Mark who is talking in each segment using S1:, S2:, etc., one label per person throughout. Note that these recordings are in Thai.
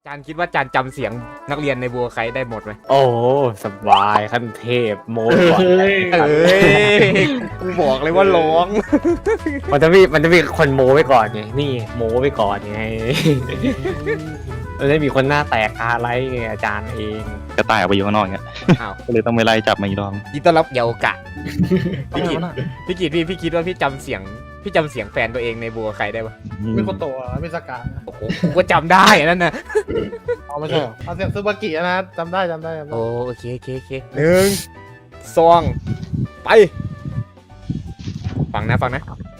S1: จานคิดว่าจานจำเสียงนักเรียนในบัวไคได้หมดไหม
S2: โอ้สบายขั้นเทพโมก่อน
S1: เอ้ยกูบอกเลยว่าร้อง
S2: มันจะมีคนโมไว้ก่อนไงนี่โมไว้ก่อนไงมันจะมีคนหน้าแตกอะไรไงอาจารย์เอง
S3: กระต่ายออกไปอยู่ข้างนอกเงี้ย
S1: อ้าว
S3: ก็เลยต้องไปไล่จับมาอีกรอบ
S1: ยินต้อนรับเยาวกะพี่กิตพี่คิดว่าพี่จำเสียงแฟนตัวเองในบัวไคได้ปะ
S4: เป็นคนโตอ่ะเป็นสกา
S1: โอ้โหกูก็จำได้นั่นน่ะ
S4: อ๋อไม่ใช่เหรอเอาเสียงซูบากินะจำได้
S1: โอ้โอเคหนึ่งสองไปฟังนะใคร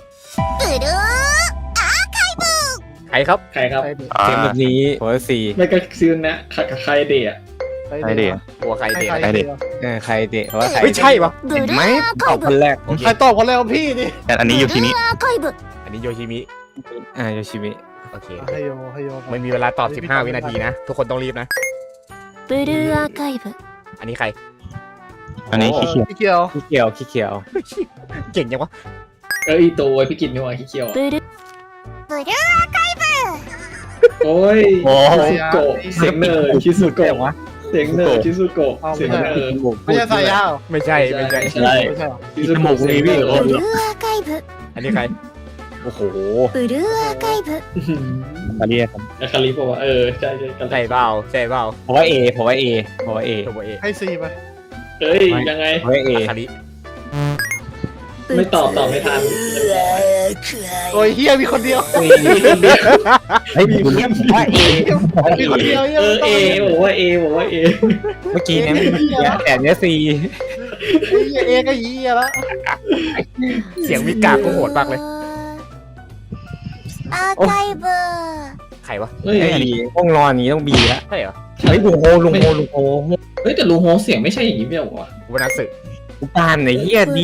S1: ครับ
S5: ใครครับ
S2: เกมแบบนี้หัวสี่
S5: ไม่ก็ซื้อนะใครเดะ
S3: ใช่เด็ก
S1: บัวไคเด็ก
S3: ใครเด็ก
S2: ใครเดะว่าใคร
S1: ไม่ใช่ปะ
S2: เห็นไหมตอบคนแรก
S4: ใครตอบคนแรกว่าพี่ดิ
S3: แต่อันนี้อยู่ที่นี้
S1: อันนี้โยชิมิ
S2: โยชิมิ
S1: โอเค
S4: ให้โย
S1: ไม่มีเวลาตอบ 15 วินาทีนะ ทุกคนต้องรีบนะ
S6: ブルーアーカイブ
S1: อันนี้ใคร
S3: อันนี้ขี้เกียจ
S4: พี่เกียว
S2: ขี้เกียวขี้เกียว
S1: เก่งยังวะ
S5: ตัวไอพี่กินนี่หว่าขี้เกียว
S6: ブルー
S5: โอ้ย
S2: โอ้
S5: ชิซุโกะเสียงเนอร์ชิซุโกะ
S2: วะ
S5: เสียงเนอร์ชิซุโกะเสียงเนอร์
S4: ไม่ใช่สายยาว
S1: ไม่ใช่
S5: ไม่ใช่
S2: ใช่
S4: ไม่ใช่เหรอ
S5: ชิซุโกะเสียงเนอร์
S6: ブルーアーカイブ
S1: อันนี้ใคร
S2: โอ้โห
S6: ブルーアーカイブ
S3: มาเรียกครับ
S5: คาริบอกว่าใช่กัน
S1: ใช่เปล่า
S2: เพราะว่าเอ
S1: ตัวเอ
S4: ให้ซีไป
S5: เฮ้ยยังไง
S2: เพราะว่าเอ
S1: คาริ
S5: ไม่ตอบไม่ทัน
S4: โอ้ยเฮียมีคนเดียว
S2: เฮ้ยมีคนว่าเอ
S4: มีคนเดียว
S5: บอกว่าบอกว่า
S2: เมื่อกี้เนี่ยแต่เนี้ยซี
S4: เอก็ยีแล้ว
S1: เสียงมิกาก็โหดมากเลย
S6: アーカイブ
S1: ใครวะ
S5: เฮ้ย
S2: ห้องนอนนี้ต้องบีแล้ว
S1: ใช่เหรอ
S2: เฮ้ยลุงโฮ
S5: เฮ้ยแต่ลุงโฮเสียงไม่ใช่อย่างนี้ไม่หรอวะ
S1: วนาสึ
S2: กูปานไหนเฮียดี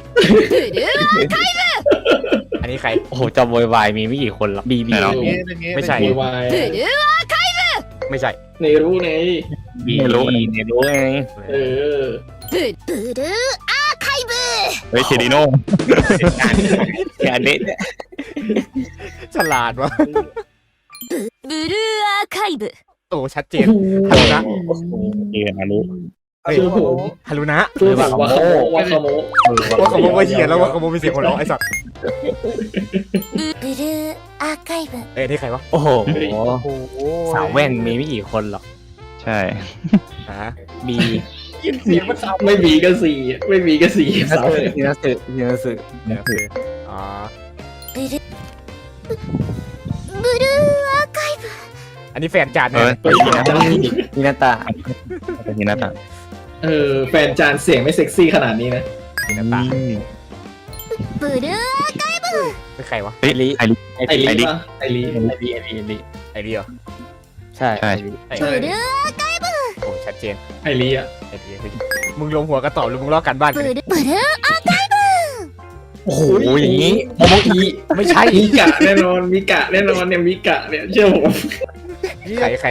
S1: อันนี้ใคร
S2: โอ้โหจำวายมีไม่กี่คนหรอกบี
S1: ไม่ใช่
S5: วาย
S6: ブルー
S1: ไม่ใช่
S5: ในรู้ไง
S2: บีรู้เนี่ยรู้ไง
S5: เออ
S6: ブルーアーカイブ
S3: เฮ้ยเคดิโน่
S2: เนี่ยเด็ดเนี่ย
S1: ฉลาดวะ
S6: ブルーアーカイブ
S1: โอ้ชัดเจน ฮารุนะ
S3: เกียร์นะรู้
S1: เฮ้ย
S5: คือผม
S1: ฮารุนะ
S5: คือแบบว่าขโม
S1: ว่าขโมยว่าเหี้ยแล้วว่าขโมยเป็นเสียงของเราไอ้สัตว์
S6: ブルーアーカイブ
S1: เอ้ยนี่ใครวะ
S2: โอ้โห
S4: โอ้โห
S2: สาวแว่นมีไม่กี่คนหรอก
S3: ใช่
S1: ฮะ
S2: บี
S4: เสียงมันซ้ำ
S5: ไม่มีก็สี่ไม่มีก็สี่
S2: นัสสึ
S1: อ๋อ
S6: ブルーブルーアーカイブ
S1: อันนี้แฟนจาน
S3: เอ
S1: เนี่ย
S3: อ
S2: มินาตา
S3: เป็นที่หน้าต่าง
S5: แฟนจานเสียงไม่เซ็กซี่ขนาดนี้นะ
S1: มีน้ำตา
S6: ブルー
S1: เป็นใครวะ
S3: เฮ้ยไอริ
S5: ไอรีป่ะไอรี
S1: ไอเดีย
S2: ใช่
S1: ไอ
S6: ブルー
S1: โอ้ชัดเจน
S5: ไอรีอ่ะ
S1: ไอเดียเฮ้ยมึงลงหัวกระตอบหรือมึงลอกกันบ้านกัน
S6: ブ
S1: เนี่ย
S6: ルーブルー
S2: โอ้โหอย่างนี้โมโมอี
S1: ไม่ใช่
S5: มีกะแน่นอนมีกะแน่นอนเนี่ยมีกะเนี่ยเชื่อผม
S1: ใคร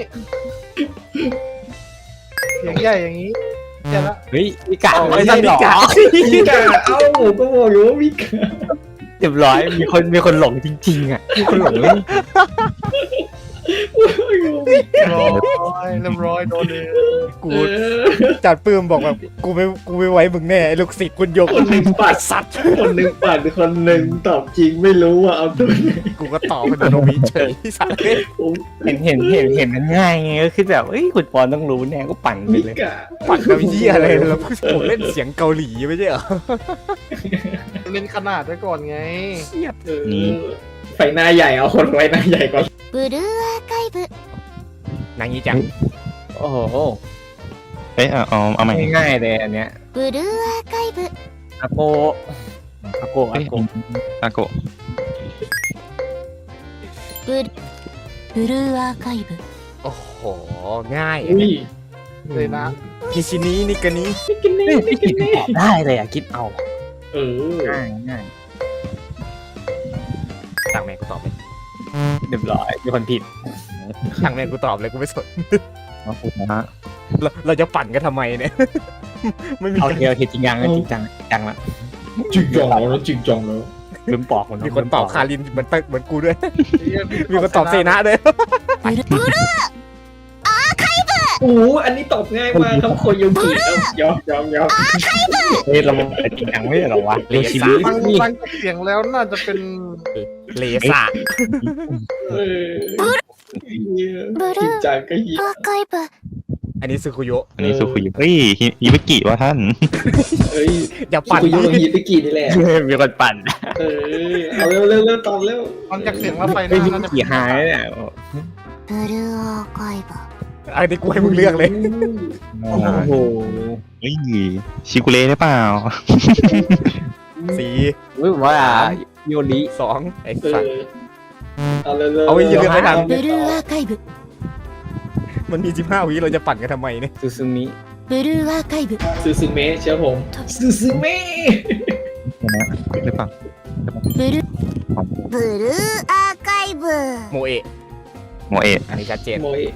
S4: เสียงใหญ่อย่างนี้เจ๋งละ
S2: เฮ้ยมีกะ
S1: ไอ้
S2: ไม่
S1: สั
S2: ใช่
S1: ตว์
S2: หร
S1: มิ
S2: อก
S1: า
S5: มีกะผมก็บอกอยู่ว่ามีกะ
S2: เรียบร้อยมีคนหลงจริงๆอ่ะมีคนหลงเลย
S4: เรียบร้อยโดนเลย
S1: กูจัดปื้มบอกแบบกูไม่ไว้มึงแน่ไอ้ลูกศิษย์คุณโยก
S5: คนหนึ่งปัด
S1: สัตว์
S5: คนหนึ่งปัดคนหนึ่งตอบจริงไม่รู้ว่าเอาตัวไหน
S1: กูก็ตอบเป็นโนมิเฉยสัตว์
S5: ผม
S2: เห็นมันง่ายไงก็คือแบบเอ้ยคุณปอนต้องรู้แน่ก็ปั่นไป
S5: มี
S2: เลย
S5: กะ
S1: ปัดกับเหี้ยอะไรแล้วผมเล่นเสียงเกาหลีไม่ใช่เหรอ
S4: เล่นขนาดไว้ก่อนไง
S5: ไฟหน้าใหญ่เอาคนไว้หน้าใหญ่ก่อน
S6: ブルーアーカイブ
S1: นางยี่จัง
S2: โอ้โห
S3: เฮ้ยเอาใหม่
S2: ง่ายๆเลยอันเนี้ย
S6: ブルーアーカイブ
S2: อาโก
S3: อาโก
S6: ブルーアーカイブ
S1: โอ้โหง่าย
S5: อุ้ย
S4: เลยนะ
S1: กิชินี้นี่กันนี้
S2: พี่คิดตอบได้เลยอ่ะคิดเอา
S5: เออ
S2: ง่าย
S1: ทางแม่กูตอบเลย
S2: เรียบร้อยมีคนผิด
S1: ทางแม่กูตอบเลยกูไม่สน
S3: นะฮะ
S1: เราจะปั่นกันทำไมเนี่ย ไม่มี
S2: โอเคจริงจังละ
S5: จึงจองแล้วจึงจองแล้ว
S2: ลืมปอก
S1: มีคนตอบคารินเหมือนเหมือนกูด้วย มีคนตอบเซนะด้วย
S6: ブルー
S5: โอ้โหอันนี้ตอบง่ายมากครับโคโยกิยอม
S2: เฮ้ยเราเป็นจริงจังไม่ใช่เหรอวะ
S1: เลซ่า
S4: ฟังจากเสียงแล้วน่าจะเป็น
S1: เลซ่า
S5: เออจริงจังก็ยิง
S6: アーカイブ
S1: อันนี้ซึคุโยะ
S3: อันนี้สุขุยเฮ้ยฮิบิกิวะท่าน
S5: เฮ้ย
S1: อย่าปั่น
S5: คุยกับฮิตกินี่แหละ
S2: มีคนปั่น
S5: เออเอาเร็วตอบเร็ว
S4: ฟังจากเสียงแล้วไฟห
S2: เฮ้ย
S4: น้า
S2: พี่
S4: น่าจะ
S2: กี่หายเนี่ย
S6: ブルーアーカイブ
S1: อันนี้กูให้มึงเลือกเลย
S2: โอ้โห
S3: เฮ้ยชิกุเล่ได้เปล่า
S1: สี
S2: รู้ว่าโยริ
S1: สองไอ้
S5: เอ
S1: สัตว์
S5: อเอาเร็ว
S1: เอาอย่าเลือกไม่ทัน
S6: ブルーアーカイブ
S1: มันมี15วิเราจะปั่นกันทำไมเนี่ย
S2: ซูซูมิ
S6: ブルーアーカイブ
S5: ซูซูเมะเชื่อผมซูซูเมะ
S3: หรือเปล่า
S6: ブルーブルーアーカイブ
S1: โมเอะ
S3: โมเอะ
S1: อันนี้ชัดเจน
S5: โมเอะ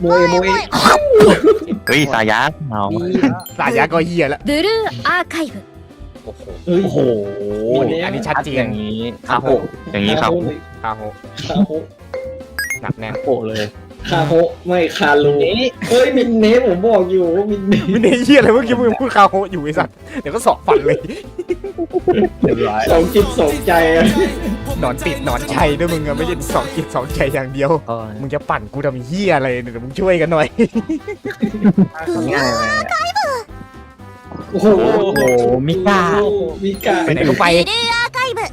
S3: เฮ้ยสายยักษ์เอา
S1: สายยาก็เฮียแล้ว
S6: ブルーアーカイブ
S1: โอ้โห
S5: เฮ้ย
S2: โอ้โห
S1: อันนี้ชัดเจ
S2: อน ย่างนี้
S1: คาโฮะ
S3: อย่างนี้ครับ
S1: คาโฮะ
S5: คาโฮะ
S1: หนักแน่น
S2: โปะเลย
S5: คาโฮะไม่คารูเฮ้ยมินเนสผมบอกอยู่ว่ามินเนส
S1: ไม่ได้เฮียอะไรเมื่อกี้มึงพูดคาโฮะอยู่ไอ้สัตว์เดี๋ยวก็สอบฟันเลย
S2: เรียบร้อย
S5: สองจิตสองใจอะ
S1: หนอนติดหนอนชัยด้วยมึงอะไม่ใช่สองจิตสองใจอย่างเดียว
S2: ก็
S1: มึงจะปั่นกูทำเฮียอะไรเนี่ยเดี๋ยวมึงช่วยกันหน่อย
S2: ง่ายเลย
S5: โอ้โห
S2: โอ้โหมิกา
S5: มิกา
S1: ไปไหนก็ไป
S6: ブルーアーカイブ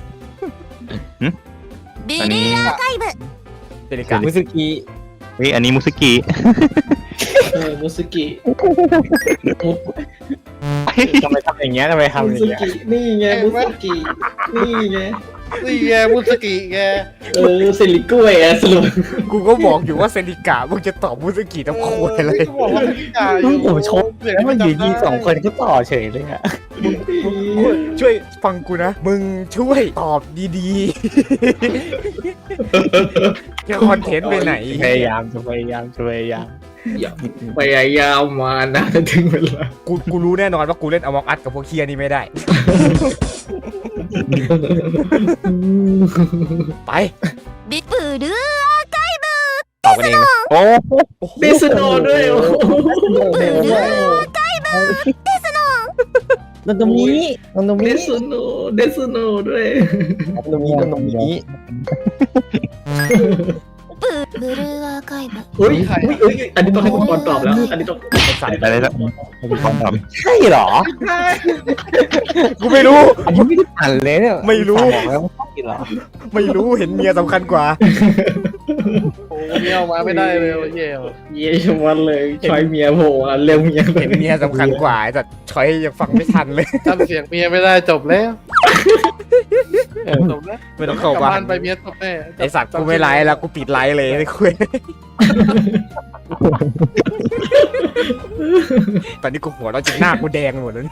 S6: ブル
S3: อันนี้
S6: ーアーカイブ
S1: เดลิกา
S2: มุสุกิ
S3: เฮ้ยอันนี้มุสกิ
S5: มุสกิ
S2: ทำไมทำอย่างเงี้ยทำไม
S5: มุ
S2: ทำอย่า
S5: ส
S2: งเงี้ย
S5: กินี่ไงมุสกินี่ไง
S4: นี่แกมุสกิแก
S5: เซริกล้วยอะสรุป
S1: กูก็บอกอยู่ว่าเซนิกามึงจะตอบมุสกิต้องโคตรเลย
S4: ก็บอกว่าไม่ได้อยู่
S2: ผมชมแล้วมันอยู่ดีสองคนก็ต่อเฉยเลยอะ
S1: ช่วยฟังกูนะ มึงช่วยตอบดีๆจะคอนเทนต์ไปไหน
S2: พยายาม
S5: พยายามมานะถึงเวลา
S1: กูรู้แน่นอนว่ากูเล่นอมองอัดกับพวกเคียนี่ไม่ได้ ไป
S6: ブルーアーカイ
S1: ตอบกันเองนะ
S2: โอ้
S5: เดสโนด้วยโอ้โห
S6: ブルーアーカイブ
S2: ตรงนี้ตรง
S5: เด
S2: นี้
S5: สโนด้วย
S2: ตรงนี้
S6: ブルーアーカイブ
S5: เฮ้ยอันนี้ต้องให้คุณบอลตอบแล้ว อันนี้ต้อง
S1: ไอ้สัตว์
S3: อะไรละความตอบ
S2: ใช่เหรอ
S1: กูไม่รู้
S2: อันนี้ไม่ได้อ่านเลยเนี่ย
S1: ไม่รู้
S2: บอกแล้วว่าใช่เหรอ
S1: ไม่รู้เห็นเมียสำคัญกว่า
S4: โอ้เมียออกมาไม่ได้เลยเย่
S5: เยี่ยมวันเลยชอยเมียโผล่เร็วเมีย
S1: เห็นเมียสำคัญกว่าไอ้สัตว์ช้อยยังฟังไม่ทันเลย
S4: จำเสียงเมียไม่ได้จบแล้วจบแล้ว
S1: ไม่ต้องเข้าก
S4: ลับ
S1: บ้า
S4: บ้าน นไปเมียจบแน่
S1: ไอสัตว์กูไม่ไลฟ์แล้วกูปิดไลฟ์เลยไม่คุยตอนนี้กูหัวเราะจนหน้ากูแดงไปหมดแล้ว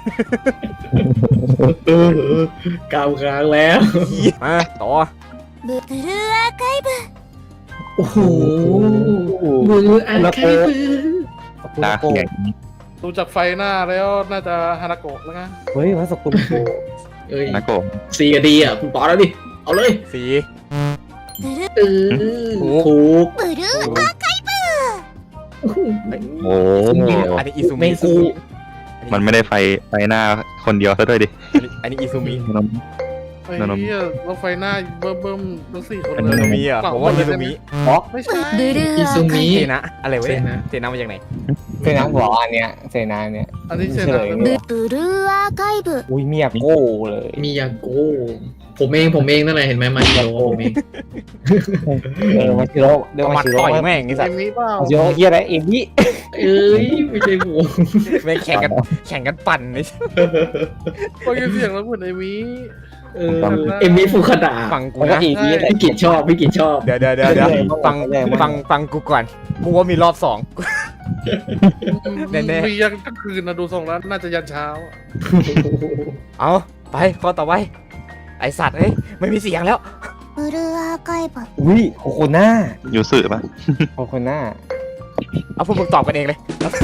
S5: กาวค้างแล้ว
S1: มาต่อ
S6: ブルーアーカイブ
S5: โอ้โหมืออันใครมือ
S3: ตาแข็ง
S4: ดูจากไฟหน้าแล้วน่าจะฮานาโกะแล้วนะ
S2: เฮ้ยว่าสกุลโก
S5: เอ้ย
S3: นะโกะ
S5: ซีกับดีอ่ะคุณปอแล้วดิเอาเลย
S1: สี
S6: ブルー
S5: ถูก
S6: ブルーアーカイブ
S3: โอ้โห
S1: อันนี้อิซูมิ
S5: ไม่ถูก
S3: มันไม่ได้ไฟหน้าคนเดียวซะด้วยดิ
S1: อันนี้อิซูมิ
S4: ไอ้เหี้ยรถไฟหน้าเบิ่มทั้ง4 คน
S1: อิ
S4: เล
S1: ซู
S4: ย
S1: มิอ่ะผมว่าอิซูมิ
S4: ไม่ใช่
S6: ブルー
S5: อิ
S6: ア
S5: ซู
S6: ーカ
S5: มิ
S6: イ
S1: เทนะอะไรวะเนี่ยเทนะมาจากไหน
S2: เซนาบอกอันเนี้ยเซนาเนี่ย
S4: อันนี้เช
S2: เฉ
S4: น
S2: ลย
S6: ブブルーアーカイブ
S2: อุ้ยเมียโก้เลย
S5: มียาโกผมเองนั่นแหละเห็นไหมมาชิโร่ผมเอง
S2: มาชิโร่เดี๋ยว
S1: เอา
S2: มา
S1: มา
S2: ชิโร่
S1: ต่อยแม่งไอ้สั
S4: เอ็
S1: ต
S4: ม
S1: ว์
S4: นี้เปล่า
S2: มาชิโร่เฮียอะไรเอ็มบี้
S5: เอ้ยไม่ใช่ผม
S1: แม่งแข่งกันปั่นไอ้
S4: พอยินเสียงแล้วเหมือนเอ็มนี้
S5: เอ็มมี่ฟูคาดา
S1: ฟังกู
S2: แล้วก็
S1: นะ
S2: อีกนี่แหละ
S5: พี่กิจชอบ
S1: เดี๋ยวฟังกูก่อนกูว่ามีรอบสอง แน่ๆ
S4: มียันกลางคืนนะดูทรงแล้วน่าจะยันเช้า
S1: เอาไปข้อต่อไปไอสัตว์เฮ้ยไม่มีเสียงแล้ว
S6: ブルーアーカイブ
S2: อุ้ยโคโคน่า
S3: ยูสึปะ
S2: โคโคน่า
S1: เอาพวกมึงตอบกันเองเลย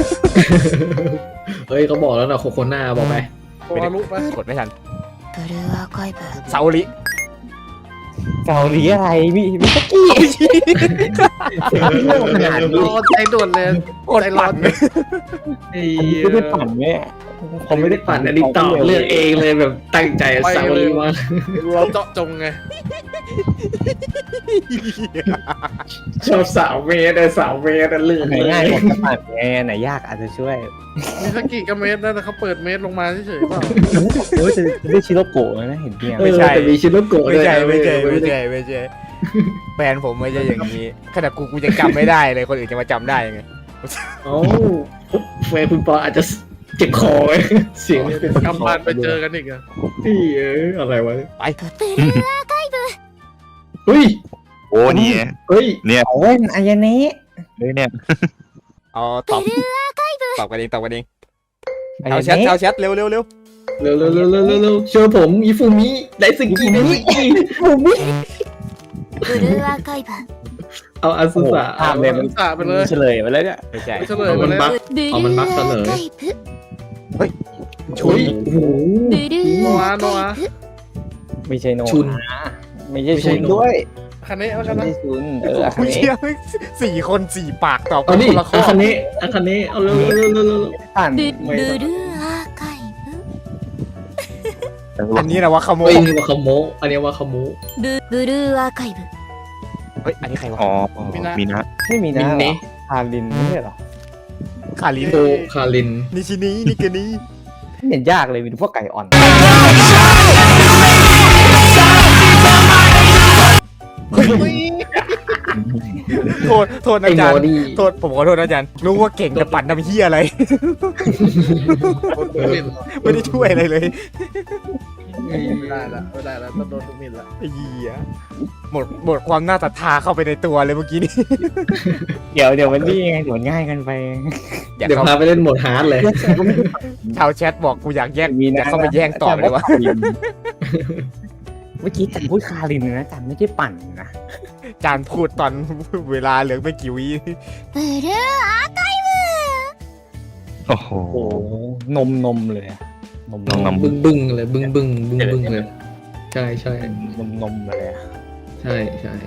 S5: เฮ้ยเขาบอกแล้วนะโคโคน่าบอกไป
S4: โคอารุไป
S1: กดไม่ทัน
S6: ブルーアーカイブ
S1: ซาโอริ
S2: เกาหลีอะไรมิสกี้ขนาด
S4: ร
S2: นี้
S4: อใจด่วนเลย
S1: โคตรปั่นเลย
S4: ไอ้
S2: อันนี้
S4: เหี้ย
S2: ไม่ได้ปั่นแม่ผมไม่ได้
S5: ปั่
S2: ปั่
S5: น
S2: น
S5: อันนี้ตอบเลือกเองเลยแบบตั้งใจสาวรีมา
S4: เราเจาะจงไง
S5: ชอบสาวเมตรแต่สาวเมตรเลือก
S2: ไหนง่ายกว่าจะปั่นไงไหนยากอาจจะช่วย
S4: มีสักกี่กระเมตรนะเขาเปิดเมตรลงมาเฉยๆเปล่า
S2: โอ้ยจะได้ชิโรโกะนะเห็นเพียง
S1: ไม่ใช่
S5: แต่มีชิโนโกะ
S1: ไม่
S5: ด้วย
S1: ใช่
S5: นะ
S1: ไม่ใช่ไม่ใช่ไม่ใช่แฟนผมไม่ใช่อย่างนี้ขนาดกูยังจำไม่ได้เลยคนอื่นจะมาจำได้ยังไง
S5: เอ้าแฟนคุณปออาจจะเจ็บคอไว้เสียงเป็น
S4: กำบ้านไปเจอกันอีกอะ
S5: ที่อะไรวะ
S1: ไป
S5: เฮ้ย
S3: โอ้นี่
S5: เฮ้ย
S3: เนี่ย
S2: โอ้ยอายานี้
S3: เฮ้ยเนี่ย
S1: เอาตอบกันเองตอบกันเอง
S2: อา
S1: เอา
S2: ยา
S1: แชท
S2: นี้
S1: เอาแชทเร็วเร็วเร็ว
S5: เร็วเร็วเร็วเร็วเร็วเร็วเชื่อผมอิฟูมิได้สกีได้สกี
S6: ブルーアーカイブ
S5: เอาอาซุสะ
S2: ภาพเลยมัน
S4: สาไปเลย
S2: เฉลยไปแล้วเนี่ย
S1: ไม่ใช่
S4: ไม่เฉลยมาแล้ว
S6: ブルーアーカイブ
S5: ชุยโอ้โห
S6: ブルーアーカイブ
S2: ไม่ใช่โน
S5: ชุน
S2: ไม่ใช่ชุนด้วย
S4: คันนี้เอาคัน
S2: ไม่
S4: นี้
S2: ใช่ชุนอา
S1: กู
S2: คาเนะ
S1: เชื่อ4 คน4 ปากตอบ
S5: เอานี่
S1: คนละข้อ
S5: อาคาเนะอาคาเนะเอาเร็วเร็วเร็วเร็วเร็ว
S2: ปั่น
S6: ブルーアーカイブ
S1: อันนี้นะว่าขโม
S5: เฮ้
S1: ย
S5: ยนี่ว่าขโมะอันนี้ว่าขโมะ
S6: ブルーアーカイブ
S1: เฮ้ยอันนี้ใครวะ
S3: อ๋อมีนะ
S2: ไม่มี
S5: มิ
S2: นะ
S5: นเนะ
S2: คารินไม่ใช่หรอ
S1: คาริน
S5: โอคาริน
S1: นิชินีนิกานี
S2: ไม่เห็นยากเลยมีแต่พวกไก่อ่อน
S1: โทษ
S5: ไอ้
S1: อา
S5: โม
S1: จารย์
S5: ดี้
S1: โทษผมขอโทษนะอาจารย์รู้ว่าเก่งแต่ปั่นทำเฮียอะไร ไม่ได้ช่วยอะไรเลย
S4: ไม่ได้ละไม่ได้ละต้องโดนทุกมินละ
S1: ไอ้เหี้ยหมดความน่าศรัทธาเข้าไปในตัวเลยเมื่อกี้นี้
S2: เดี๋ยวมันนี่ไงเดี๋ยวง่ายกันไป
S1: อยาก
S5: เดี๋ยว
S1: เข้า
S5: พาไปเล่นโหมดฮาร์ดเลย
S1: ชาวแชทบอกกูอยากแยก
S2: มี
S1: อยา
S2: นะ
S1: กเข้าไปแย่งต่อเลยวะ
S2: เมื่อกี้จันพูดคารินนะจันไม่ใช่ปั่นนะ
S1: อาจารย์พูดตอนเวลาเหลือไม่กี่วิ
S6: ブルーアーカイ
S3: โอ้โห
S2: โอ้นมเลยอะนม
S3: นม
S5: บึ้งบึ้งเลยบึ้งบึ้งบึ้งบึ้งเลย ใช่ใช่
S2: นมเลยอะ
S5: ใช่ใช่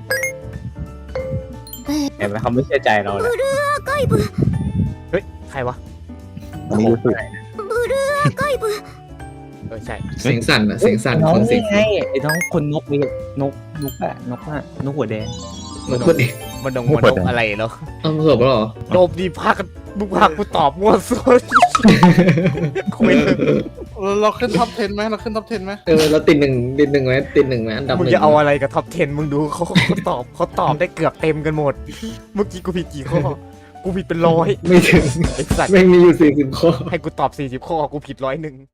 S2: เห็นไหมเขาไม่เชื่อใจเราเลย
S6: ブルーアーカイブ
S1: เฮ้ยใครวะ
S3: อันนี้รู้สึก
S6: ブルーアーカイブ
S1: ใช่
S5: เสียงสั่นอะเสียงสั่น
S2: น้อ
S5: ค
S2: ง
S5: นเสีย
S2: นี่
S5: ง
S2: ไงไอ้น้องคนนกนี่นกนกหัวแดง
S5: มันพูดเอง
S1: มันดงมันดงอะไรเนาะ
S5: เอาจบแล้วเหรอ
S1: โดบดีพักมึงพากูตอบมั่วซั่วคุย
S4: เราขึ้นท็อป 10ไหมเราขึ้นท็อป 10ไหม
S5: เราติดหนึ่งไหมติดหนึ่งไหมอันดับห
S1: มึง
S5: นึ่ง
S1: จะเอาอะไรกับท็อป 10 มึงดูเขาตอบได้เกือบเต็มกันหมด เมื่อกี้กูผิดกี่ข้อ กูผิดเป็น100
S5: ไม่ถึง
S1: ไอ้สัตว์
S5: ไม่มีอยู่40 ข้อ
S1: ให้กูตอบ40 ข้อกูผิด101